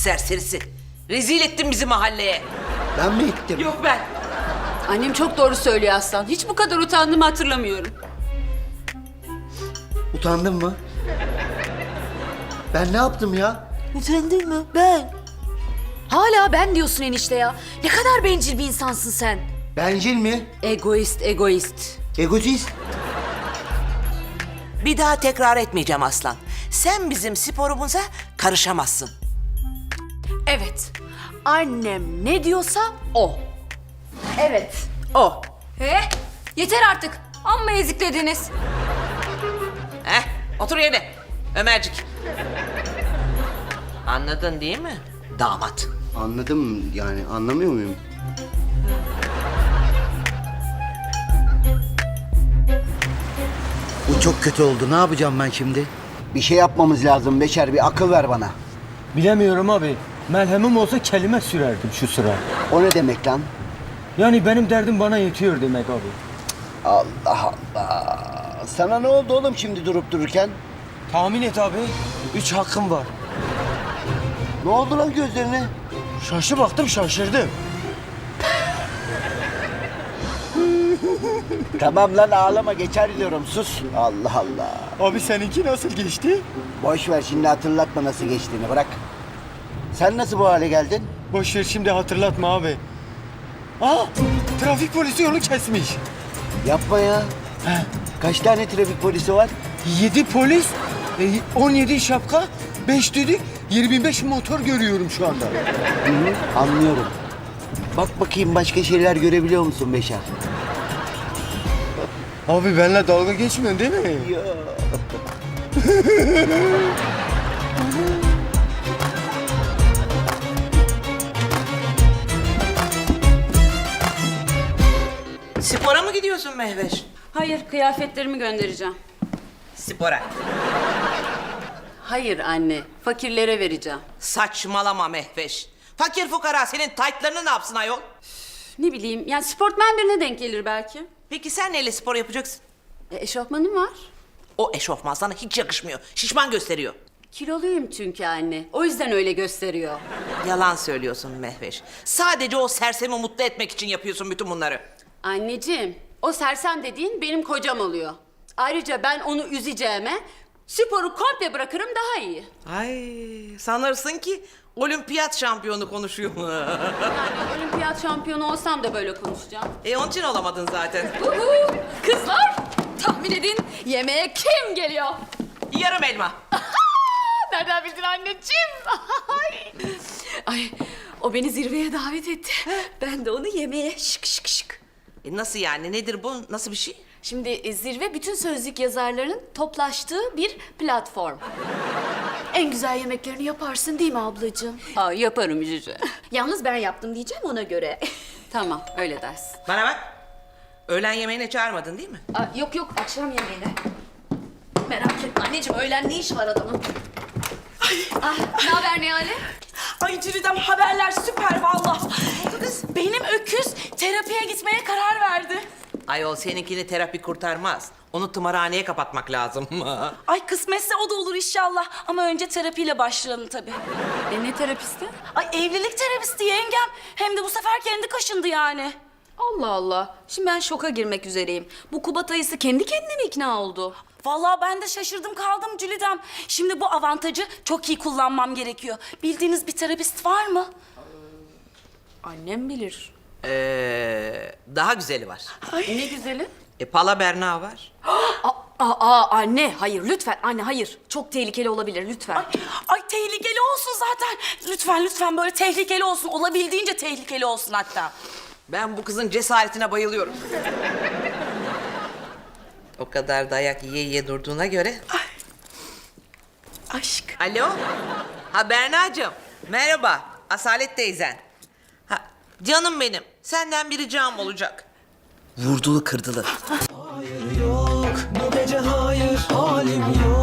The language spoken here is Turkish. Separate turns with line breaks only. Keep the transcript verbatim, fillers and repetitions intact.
serserisi. Rezil ettin bizi mahalleye.
Ben mi ettim?
Yok ben.
Annem çok doğru söylüyor Aslan. Hiç bu kadar utandığımı hatırlamıyorum.
Utandın mı? Ben ne yaptım ya?
Utandın mı? Ben. Hala ben diyorsun enişte ya. Ne kadar bencil bir insansın sen.
Bencil mi?
Egoist, egoist.
Egotist?
Bir daha tekrar etmeyeceğim Aslan. Sen bizim sporumuza karışamazsın.
Evet. Annem ne diyorsa o.
Evet, o.
He? Yeter artık. Amma eziklediniz.
Heh, otur yerine. Ömercik. Anladın değil mi? Damat.
Anladım yani anlamıyor muyum? Bu çok kötü oldu. Ne yapacağım ben şimdi? Bir şey yapmamız lazım Beşer. Bir akıl ver bana.
Bilemiyorum abi. Merhemim olsa kelime sürerdim şu sıra.
O ne demek lan?
Yani benim derdim bana yetiyor demek abi.
Allah Allah. Sana ne oldu oğlum şimdi durup dururken?
Tahmin et abi. Üç hakkım var.
Ne oldu lan gözlerine?
Şaşı baktım şaşırdım.
Tamam lan ağlama geçer diyorum sus. Allah Allah.
Abi seninki nasıl geçti?
Boş ver şimdi hatırlatma nasıl geçtiğini bırak. Sen nasıl bu hale geldin?
Boş ver şimdi hatırlatma abi. Aa, trafik polisi yolu kesmiş.
Yapma ya.
He.
Kaç tane trafik polisi var?
Yedi polis, e, on yedi şapka, beş düdük, yirmi beş motor görüyorum şu anda.
Hı hı, anlıyorum. Bak bakayım başka şeyler görebiliyor musun Beşer?
Abi benimle dalga geçmiyorsun değil mi?
Ya.
Spora mı gidiyorsun Mehveş?
Hayır, kıyafetlerimi göndereceğim.
Spora.
Hayır anne, fakirlere vereceğim.
Saçmalama Mehveş. Fakir fukara senin taytlarını ne yapsın ayol?
Ne bileyim, yani sportmen birine denk gelir belki.
Peki sen neyle spor yapacaksın?
E, eşofmanım var.
O eşofman sana hiç yakışmıyor. Şişman gösteriyor.
Kiloluyum çünkü anne. O yüzden öyle gösteriyor.
Yalan söylüyorsun Mehveş. Sadece o sersemi mutlu etmek için yapıyorsun bütün bunları.
Anneciğim, o sersem dediğin benim kocam oluyor. Ayrıca ben onu üzeceğime sporu komple bırakırım daha iyi.
Ay sanırsın ki olimpiyat şampiyonu konuşuyor.
Yani olimpiyat şampiyonu olsam da böyle konuşacağım.
e onun için olamadın zaten.
Uhu. Kızlar tahmin edin yemeğe kim geliyor?
Yarım elma.
Nereden bildin anneciğim? Ay. Ay o beni zirveye davet etti. Ben de onu yemeğe şık şık şık.
E nasıl yani? Nedir bu? Nasıl bir şey?
Şimdi e, zirve bütün sözlük yazarlarının toplaştığı bir platform. En güzel yemeklerini yaparsın değil mi ablacığım?
Aa, yaparım Cüce.
Yalnız ben yaptım diyeceğim ona göre.
Tamam, öyle dersin.
Bana bak. Öğlen yemeğine çağırmadın değil mi?
Aa, yok yok akşam yemeğine. Merak etme anneciğim öğlen ne iş var adamın? Ah, ne haber Nihale?
Ay Cülidem haberler süper valla. Benim öküz terapiye gitmeye karar verdi.
Ayol seninkini terapi kurtarmaz. Onu tımarhaneye kapatmak lazım.
Ay kısmetse o da olur inşallah. Ama önce terapiyle başlayalım tabii.
E ne terapisti?
Ay evlilik terapisti yengem. Hem de bu sefer kendi kaşındı yani.
Allah Allah. Şimdi ben şoka girmek üzereyim. Bu Kubat ayısı kendi kendine mi ikna oldu?
Vallahi ben de şaşırdım kaldım Cülidem. Şimdi bu avantajı çok iyi kullanmam gerekiyor. Bildiğiniz bir terapist var mı?
Annem bilir.
Ee, daha güzeli var.
Ne güzeli?
E Pala Berna var.
Aa, aa, anne hayır lütfen anne hayır. Çok tehlikeli olabilir lütfen.
Ay, ay tehlikeli olsun zaten. Lütfen lütfen böyle tehlikeli olsun. Olabildiğince tehlikeli olsun hatta.
Ben bu kızın cesaretine bayılıyorum. O kadar dayak yiye yiye durduğuna göre.
Aşk.
Alo? Ha Berna'cığım. Merhaba. Asalet teyzen. Ha, canım benim. Senden bir ricam olacak. Vurdulu kırdılı.
Hayır yok, bu gece hayır, halim yok.